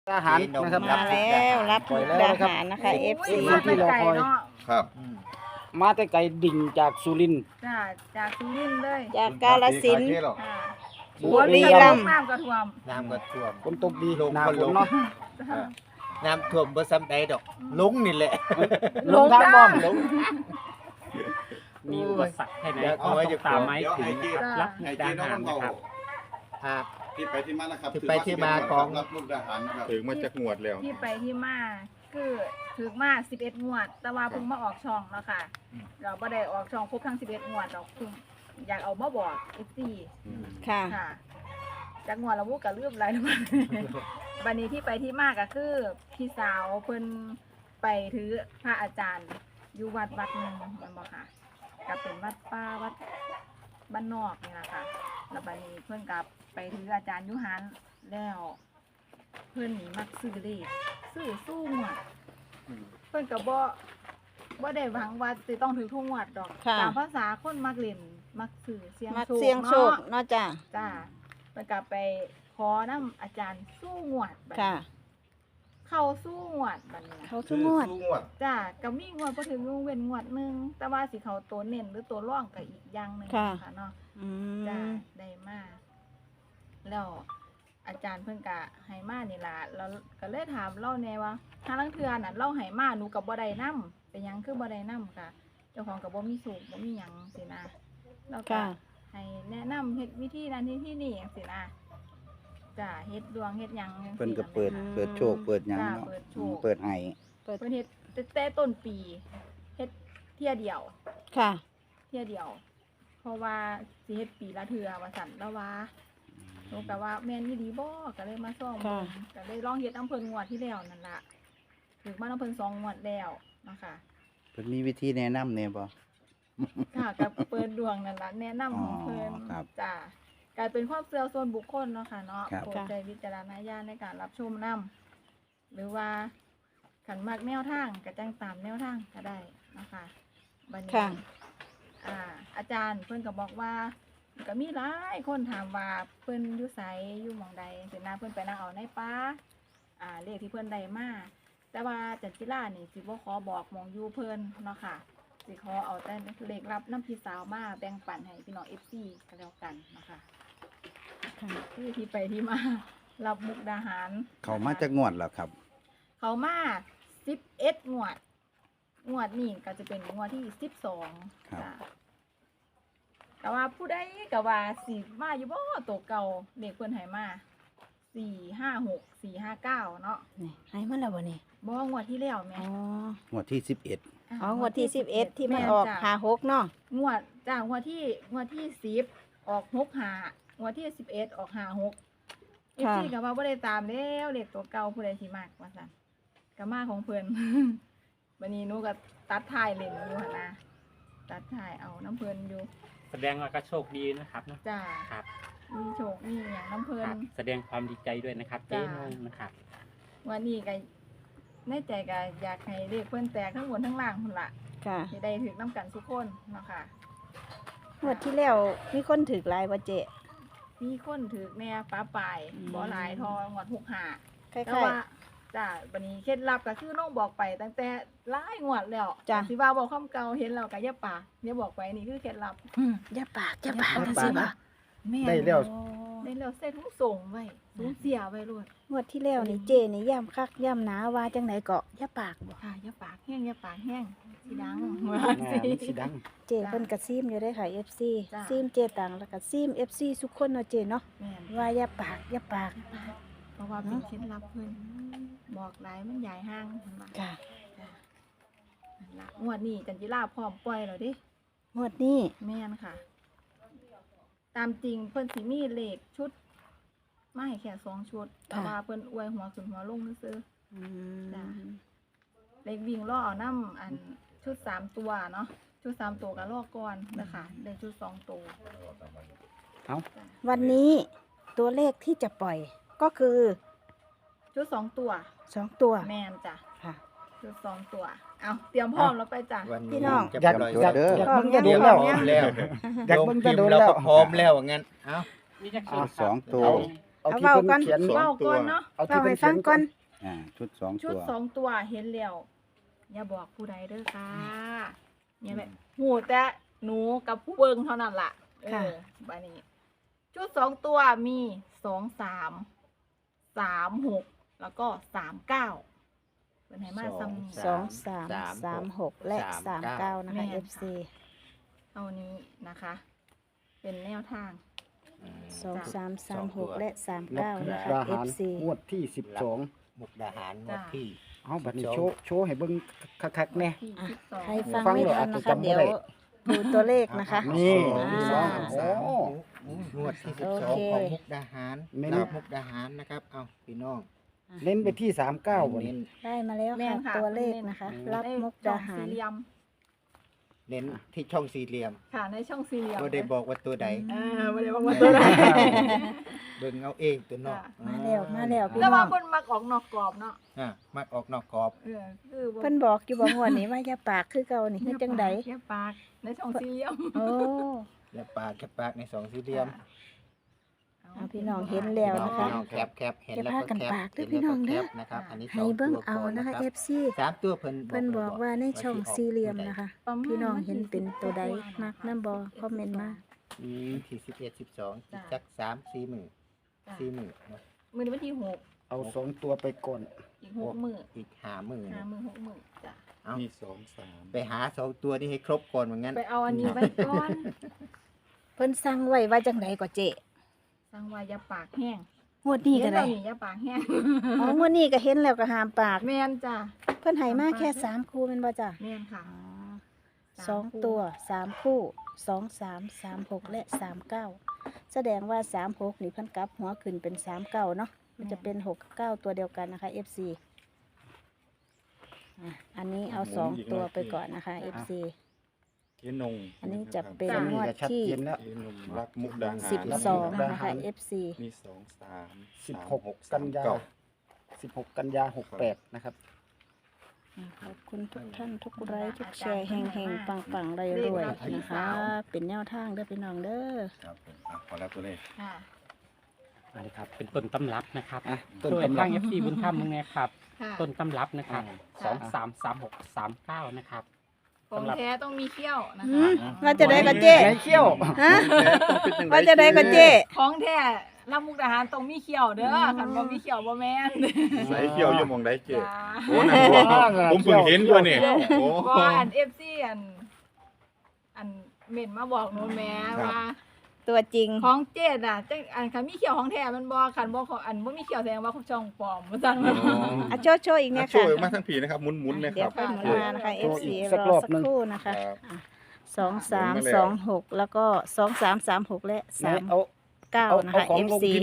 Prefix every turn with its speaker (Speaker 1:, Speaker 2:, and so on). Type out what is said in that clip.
Speaker 1: อาหารนะครับ
Speaker 2: มาแล้วรับมุกดาหารนะคะ FC
Speaker 1: ที่รอคอย
Speaker 3: ครับ
Speaker 1: มาแต่ไกลดิ่งจากสุรินทร์
Speaker 4: จ้าจากสุรินทร์เลย
Speaker 2: จากกาฬสินธุ์
Speaker 4: ค่ะ
Speaker 1: บุรีรัมย์
Speaker 4: น้ำกระท่วม
Speaker 3: น้ำก็ท่วม
Speaker 1: ฝนตกดี
Speaker 3: ลง
Speaker 1: หน้า
Speaker 3: ก็
Speaker 1: ฝ
Speaker 3: ล
Speaker 1: น
Speaker 3: ง
Speaker 1: เนาะ
Speaker 3: น้ำท่วมบ่ซ้ำใดดอกลงนี่แหละ
Speaker 1: ลงทางบ้อมลง
Speaker 5: มีอุปสรรคให้ไหน
Speaker 3: เดี๋ยว
Speaker 5: ก็
Speaker 3: เอาไว้
Speaker 5: ต้
Speaker 3: จะ
Speaker 5: องตามไม้ถึง
Speaker 4: จ้า
Speaker 5: รับมุกดาหารนะครับ
Speaker 3: ครับ
Speaker 6: ที่ไปที่มานะครับ
Speaker 3: ที่ไปที่มาของ
Speaker 6: รับมุกดาหารนะครับ
Speaker 7: ถึงมาจากงวดแล้ว
Speaker 4: ที่ไปที่มาคือถึกมา11งวด แต่ว่าเพิ่งมาออกช่องเนาะค่ะเราบ่ได้ออกช่องครบทั้ง11งวดดอกเพิ่งอยากเอามาบอก FC
Speaker 2: ค่ะ
Speaker 4: ค่ะจากงวดละวุก็ลืมหลายแล้วบัดนี้ที่ไปที่มาก็คือพี่สาวเพิ่นไปถือพระอาจารย์อยู่วัดหนึงแม่นบ่ค่ะก็เป็นวัดป่าวัดบ้านนอกนี่ล่ะค่ะแล้วบัดนี้เพิ่นก็ไปถืออาจารย์อยู่หันแล้วเพิ่นนี่มักซื้อเลขซื้อสู้งวดเพิ่นก็บ่ได้หวังว่าสิต้องถือทุกงวดดอก
Speaker 2: ค่ะ
Speaker 4: ตามภาษาคนมักเล่นมักซื้อเสียง
Speaker 2: มัก
Speaker 4: โชค
Speaker 2: เสียงโชค
Speaker 4: เนาะ
Speaker 2: เนาะจ้ะ
Speaker 4: จ้าเพิ่นก็ไปขอน้ำอาจารย์สู้งวดบัดนี้
Speaker 2: ค่ะ
Speaker 4: เข้าสู้งวดบัดนี้นะ
Speaker 2: เขาทุกงวด
Speaker 6: สู้งวด
Speaker 4: จ้าก็มีงวดบ่ถึงเว้นงวดหนึงแต่ว่าสิเขาตัวเน้นหรือตัวร่องก็อีกอย่างหนึง
Speaker 2: ค่ะ
Speaker 4: ค่ะเนาะ
Speaker 2: อื
Speaker 4: จ้าม ได้มาแล้วอาจารย์เพิ่นก็ให้มานี่ล่ะแล้วก็เลยถามเล่าแน่ว่าถ้าลังเทื่อน่ะเล่าให้มาหนูก็บ่ได้นำเป็นหยังคือบ่ได้นำค่ะ เจ้าของก็บ่มีสูตรบ่มีหยังสินะแล้วก็
Speaker 2: ค่ะ
Speaker 4: ให้แนะนำเฮ็ดวิธีนั้นที่นี่จังซี่นะจ้าเฮ็ดดวงเฮ็ดหยังจังซี่
Speaker 8: เพิ่นก็เปิด
Speaker 4: ะ
Speaker 8: เปิดโชคเปิดหยัง
Speaker 4: จ้า
Speaker 8: เนาะ
Speaker 4: เปิดโช
Speaker 8: อืม
Speaker 4: ค
Speaker 8: เปิดให้
Speaker 4: เพิ่นเฮ็ดแต่ต้นปีเฮ็ดเที่ยเดียว
Speaker 2: ค่ะ
Speaker 4: เที่ยเดียว เพราะว่าสิเฮ็ดปีละเทื่อว่าซั่นแล้วว่าหนูก็ว่าแม่นอีหลีบ่ก็เลยมาซ่อม
Speaker 2: ค่ะ
Speaker 4: ก็เลยลองเฮ็ดอำเภองวดที่แล้วนั่นล่ะถึงมาอำเภอ2งวดแล้วนะคะ
Speaker 8: เพิ่นมีวิธีแนะนำแน่บ่
Speaker 4: ค่ะกับเปิดดวงนั่นล่ะแนะนำของเพิ่น
Speaker 8: อ๋อครับ
Speaker 4: จ้ะกลายเป็นความเชื่อส่วนบุคคลเนาะค่ะเนาะ
Speaker 8: ครับ
Speaker 4: โปรดใช้วิจารณญาณในการรับชมนํหรือว่าขันมักแนวทางก็จังตามแนวทางก็ได้นะคะบัดนี้
Speaker 2: ค่ะ
Speaker 4: อาจารย์เพิ่นก็บอกว่าก็มีหลายคนถามว่าเพิ่นอยู่ไสอยู่หม่องใดสินะเพิ่นไปนั่งเอาในป่าเลขที่เพิ่นได้มาแต่ว่าจันจิรานี่สิบ่ขอบอกหม่องอยู่เพิ่นเนาะค่ะสิขอเอาแต่เลขรับน้ำพี่สาวมาแบ่งปันให้พี่น้อง FC ก็แล้วกันนะคะ
Speaker 2: ค่ะ
Speaker 4: คือที่ไปที่มา รับมุกดาหาร
Speaker 8: เขามาจากงวดแล้วครับ
Speaker 4: เขามา11งวดงวดนี้ก็จะเป็นงวดที่12
Speaker 8: ครับ
Speaker 4: จ้ะแต่ว่าผู้ใดก็ว่าสิมาอยู่บ่ตัวเก่าเด็กเพิ่นให้มา456 459เนาะ
Speaker 2: นี่ให้มาแล้วบ่นี่
Speaker 4: บ่งวดที่แล้วแม่
Speaker 2: อ๋อ
Speaker 8: งวดที่11
Speaker 2: อ๋องวดที่11ที่มัน
Speaker 4: แ
Speaker 2: ออก
Speaker 4: จ้ะ
Speaker 2: 56เนาะ
Speaker 4: งวดจ้างวดที่10ออก65งวดที่11ออก56
Speaker 2: ค่ะ
Speaker 4: FC ก็ว่าบ่ได้ตามแล้วเลขตัวเก่าผู้ใดสิมักว่าซั่นก็มาของเพิ่น บัดนี้หนูก็ตัดท้ายเล่นอยู่หั่นนะตัดท้ายเอาน้ำเพิ่นอยู่
Speaker 5: แสดงว่าก็โชคดีนะครับเนอะ
Speaker 4: จ้า
Speaker 5: ครับ
Speaker 4: มีโชคมีหยังน้ำเพิ่
Speaker 5: คน รับ แสดงความดีใจด้วยนะครับเจ๊
Speaker 4: จ้า
Speaker 5: นงนะครับ
Speaker 4: วันนี้ก็ในใจก็อยากให้เลขเพิ่นแตกทั้งบนทั้งล่างพุ่นล่ะ
Speaker 2: ค่ะ
Speaker 4: สิได้ถึกน้ำกันทุกคนเนาะค่ะ
Speaker 2: งวดที่แล้วมีคนถือหลายบ่เจ๊
Speaker 4: มีคนถึกแน่ป้าปลาย
Speaker 2: อืม
Speaker 4: บ่หลายทองวด65
Speaker 2: คล้
Speaker 4: แต่
Speaker 2: าย
Speaker 4: ว่าจ้าบัดนี้เคล็ดลับก็คือน้องบอกไปตั้งแต่หลายงวดแล้ว
Speaker 2: จ้ะ
Speaker 4: สิว่าบอกคำเก่าเห็นแล้วก็อย่าปากอย่าบอกไปนี่คือเคล็ดลับ
Speaker 2: ๆอย่าปากอย่าปาก
Speaker 4: อย่าปาก
Speaker 2: จังซี่บ่
Speaker 4: แม่
Speaker 1: ได้แล้ว
Speaker 4: ได้แล้วเส้นทุกส่งไว้สูญเสียไว้โลด
Speaker 2: งวดที่แล้วนี่เจ๊นี่ย่ำคักย่ำหนาว่าจังไดก็อย่าปากบ่
Speaker 4: ค่ะอย่าปากแห้งอย่าปากแห้งสิดัง
Speaker 1: แม่มันสิดัง
Speaker 2: เจ๊เพิ่นก็ซิมอยู่ได้อค่ะ FC
Speaker 4: จ้ะ
Speaker 2: ซิมเจ๊ตังแล้วก็ซิม FC ทุกคนเนาะเจ๊เนาะ
Speaker 4: แม่น
Speaker 2: ว่าอย่าปากอย่าปาก
Speaker 4: เพราะว่าเป็นเคล็ดลับเพิ่นบอกหลายมันใหญ่ห้างเพิ่นว่า
Speaker 2: ค่ะ
Speaker 4: จ้ะนั่นล่ะงวดนี้จันจิราพร้อมปล่อยแล้วเดิ
Speaker 2: งวดนี้
Speaker 4: แม่นค่ะ ตามจริงเพิ่นสิมีเลขชุดมาให้แค่2ชุด แต่ว่าเพิ่นอวยหัวขึ้นหัวลงซื่อ
Speaker 2: อื
Speaker 4: จ้ะ
Speaker 2: ม
Speaker 4: ๆเลขวิ่งล่อเอานำอันชุด3ตัวเนาะชุด3ตัวก็ล่อก่อนนะคะได้ชุด2ตัว
Speaker 1: เอา
Speaker 4: จ้ะ
Speaker 2: วันนี้ตัวเลขที่จะปล่อยก็คือ
Speaker 4: ชุด2ตัว
Speaker 2: 2 ตัว
Speaker 4: แม่นจ้ะ
Speaker 2: ค่ะ
Speaker 4: ชุด2ตัว เอาเตรียมพร้อมแล้วไปจ้ะ
Speaker 3: วัน
Speaker 2: พี่
Speaker 3: นี้
Speaker 2: น้อง
Speaker 3: จะ
Speaker 8: อยาก
Speaker 3: ปล่อย
Speaker 8: อยาก
Speaker 3: เด้อ
Speaker 1: อยาก
Speaker 2: พร้อม
Speaker 1: เบิ่งจะโดน
Speaker 2: ยัง
Speaker 1: แล้ว
Speaker 3: แล้ว
Speaker 1: อยาก
Speaker 3: ลง
Speaker 1: เบิ่ง
Speaker 3: พิ
Speaker 1: จะ
Speaker 3: ม
Speaker 1: โดน
Speaker 3: พ์เรา
Speaker 1: แล้ว
Speaker 3: ก็พร้อมแล้วว่างั้นเอ้า
Speaker 5: นี่จะ
Speaker 1: อ่ะ
Speaker 5: สอง
Speaker 8: ตัว
Speaker 5: ตัว
Speaker 1: เอาที่
Speaker 2: เอาเว้า
Speaker 1: เพิ่น
Speaker 2: ก่อน
Speaker 1: เขียน
Speaker 4: เว้าก่อนเนาะ
Speaker 1: เอา
Speaker 2: เล่า
Speaker 1: ที่เพิ่
Speaker 2: ให้
Speaker 1: น
Speaker 2: ฟั
Speaker 1: เขีย
Speaker 2: ง
Speaker 1: น
Speaker 2: ก่อน
Speaker 8: ชุดสอง
Speaker 4: ชุด
Speaker 8: ตัว
Speaker 4: สองตัวเห็นแล้วอย่าบอกผู้ใดเด้อค่ะเนี่ยแหละหูแต่หนูกับผู้เบิ่งเท่านั้นล่ะบัดนี้ ชุดสองตัวมี23 36แล้วก็39เป็นไหนมาซ้ำ
Speaker 2: 2336และ39นะคะ FC
Speaker 4: เอานี้นะคะ เป็นแนวทาง
Speaker 2: 2336และ
Speaker 1: นก
Speaker 2: 39นะคะ
Speaker 1: ดาหาร
Speaker 2: FC
Speaker 1: งวดที่12
Speaker 3: มุกดาหารงวดที่
Speaker 1: เอาบัดนี้โชว์ให้เบิ่งคักๆแน่
Speaker 4: ที่
Speaker 2: อ่ะ
Speaker 4: 12
Speaker 2: ใครฟัง
Speaker 1: ฟัง
Speaker 2: ไม่
Speaker 1: เลย
Speaker 2: ทัน
Speaker 1: อาจ
Speaker 2: นะ
Speaker 1: จะ
Speaker 2: คะ
Speaker 1: จำไม่
Speaker 2: เดี๋ยว
Speaker 1: ได้
Speaker 2: ดูตัวเลขนะคะ
Speaker 1: นี่
Speaker 2: โอ้
Speaker 3: งวดที่
Speaker 2: โอ
Speaker 3: 12
Speaker 2: เค
Speaker 3: ของมุกดาหาร
Speaker 1: เน้น
Speaker 3: รับมุกดาหารนะครับเอาพี่น้อง
Speaker 1: เน้นไปที่39บ่
Speaker 3: เน้
Speaker 1: นี่
Speaker 3: น
Speaker 2: ได้มาแล้ว
Speaker 4: แม่
Speaker 2: ค่ะ
Speaker 4: นค่ะ
Speaker 2: ตัวเลขนะคะ รับมุกดาหาร
Speaker 4: ในช่องสี่เหลี่ยม
Speaker 3: เน้นที่ช่องสี่เหลี่ยม
Speaker 4: ค่ะในช่องสี่เหลี่ยม
Speaker 3: ก็ได้บอกว่าตัวใด
Speaker 4: ไม่ได้บอกว่าตัวไหน
Speaker 3: เบิ่งเอาเองตัวเนอก
Speaker 2: มาแล้วมาแล้วพี่
Speaker 4: แต่
Speaker 2: น้
Speaker 4: ว่า
Speaker 2: อง
Speaker 4: เพิ่นมักออกนอกกรอบเนาะ
Speaker 3: มักออกนอกกรอบ
Speaker 4: คือบ่
Speaker 2: เพิ่นบอกอยู่บ่งวดนี้ว่าอย่าปากคือเก่านี่คือจังใด
Speaker 4: แค่ปากในช่องสี่เหลี่ยม
Speaker 2: โอ้
Speaker 3: และปากแคบปากในสองสี่เหลี่ยม
Speaker 2: เอาพี่น้องเห็นแล้วนะคะ
Speaker 3: พี่น้องแคบเห็น
Speaker 2: อย่า
Speaker 3: แล้ว
Speaker 2: พา
Speaker 3: ก็
Speaker 2: กัน
Speaker 3: แคบ
Speaker 2: ปากเด้
Speaker 3: เห็
Speaker 2: อน พี่น้อง
Speaker 3: แล้วก็แค
Speaker 2: เด้อ
Speaker 3: บนะครับอันนี้
Speaker 2: ให้เบิ่งเอานะคะ
Speaker 3: รับ
Speaker 2: FC
Speaker 3: สามตัวเพิ่น
Speaker 2: เพิ่นบอกว่าในช่องสี่เหลี่ยมนะคะ พี่น้องเห็นเป็นตัวใดมักนํบ่คอมเมนต์มา
Speaker 3: ที่11 12อีกจัก3-4มื้อ4มื้อเนาะ
Speaker 4: มื้อนี้วันที่6
Speaker 1: เอา2ตัวไปก่อน
Speaker 4: อีก6มื้อ
Speaker 3: อีก5มื้อ
Speaker 4: 5
Speaker 3: เนาะ
Speaker 4: มื้อ6มื้อจ้ะ
Speaker 3: เอา
Speaker 5: มี2
Speaker 3: ไปหา2ตัวนี้ให้ครบก่อนเหมือนงั้น
Speaker 4: ไปเอาอันนี้ไว้ก่อน
Speaker 2: เพิ่นสั่งไว้ว่าจังไดก็เจ๊
Speaker 4: สร้างว่าอย่าปากแห้ง
Speaker 2: งวดนี้ก็ได้
Speaker 4: เห็นแล้วนี่อย่าปากแห้ง
Speaker 2: อ๋องวดนี้ก็เห็นแล้วก็ห้ามปาก
Speaker 4: แม่นจ้ะ
Speaker 2: เพิ่นให้มาแค่3คู่แม่นบ่จ้ะ
Speaker 4: แม่นค่ะ
Speaker 2: สองตัว3คู่23 36และ39แสดงว่า36นี่เพิ่นกลับหัวขึ้นเป็น39เนาะมันจะเป็น6กับ9ตัวเดียวกันนะคะ FC อันนี้เอา2ตัวไปก่อนนะคะ FC
Speaker 5: เจ๊นง
Speaker 2: อันนี้จะเป็น
Speaker 1: จำ
Speaker 2: ง
Speaker 1: นี่
Speaker 2: วด
Speaker 1: ก็ชัด
Speaker 2: ที่
Speaker 1: เจนแล้ว
Speaker 5: เจ๊นงรักมุกดาหาร
Speaker 2: 12นะคะ FC
Speaker 5: มี2 3
Speaker 1: 16 กันยา16 กันยา68นะครับ
Speaker 2: ขอบคุณทุกท่านทุกไลค์ทุกแชร์แห่งๆปังๆรวยๆนะคะ เป็นแนวทางเด้อพี่น้องเด้อ
Speaker 8: ครับผมขอรับตัวเลข
Speaker 4: ค่ะ
Speaker 5: อันนี้ครับเป็นต้นตำรับนะครับ
Speaker 1: อ่ะต้น
Speaker 5: โดย
Speaker 1: ตำรับ
Speaker 5: ทาง FC บุญธรรมมึงไงครับ
Speaker 4: ค่ะ
Speaker 5: ต้นตำรับนะครับ
Speaker 4: ค่ะ
Speaker 5: 233639นะครับ
Speaker 4: ของแท้ต้องมีเขี้ยวนะ
Speaker 2: หื
Speaker 4: คะ
Speaker 2: มว่าจะได้ก็เจ๊
Speaker 1: ไหนเขี้ยว
Speaker 2: ฮะว่าจะได้ก็เจ๊
Speaker 4: ของแท้ลำมุกดาหารต้องมีเขี้ยวเด้อคันบ่มีเขี้ยวบ่แม่น
Speaker 6: ใส่เขียวอยู่หมองได้เจ๊
Speaker 4: จ้า
Speaker 6: โอ้นั่นบ่ผมเพิ่งเห็นตัวนี่โอ้
Speaker 4: บ่อัน FC อันเม่นมาบอกหนูแม่ว่า
Speaker 2: ตัวจริง
Speaker 4: ของเจ๊น่ะจังอันคันมีเขี้ยวของแท้มันบ่คันบ่ของอันบ่มีเขี้ยวแสดงว่าเขาช่องปลอมว่าซั่นว่า
Speaker 2: อ่ะโชว์อีกเนี่ย
Speaker 6: ช่
Speaker 2: ค่ะ
Speaker 6: วยมาทั้งผีนะครับหมุนๆนะค
Speaker 2: เดี๋ย
Speaker 6: รั
Speaker 2: ว
Speaker 6: บ
Speaker 2: ค่อยหมุนมานะคะ
Speaker 1: โชว์
Speaker 2: FC
Speaker 1: อีก
Speaker 2: ร
Speaker 1: สัก
Speaker 2: อ
Speaker 1: รอบ
Speaker 2: สัก
Speaker 1: หนึ่ง
Speaker 2: ครู่นะคะ
Speaker 6: ครับ
Speaker 2: 2326แล้วก็2336และ
Speaker 1: ไหนเอา
Speaker 2: 39นะคะ
Speaker 1: เอาของลง
Speaker 2: FC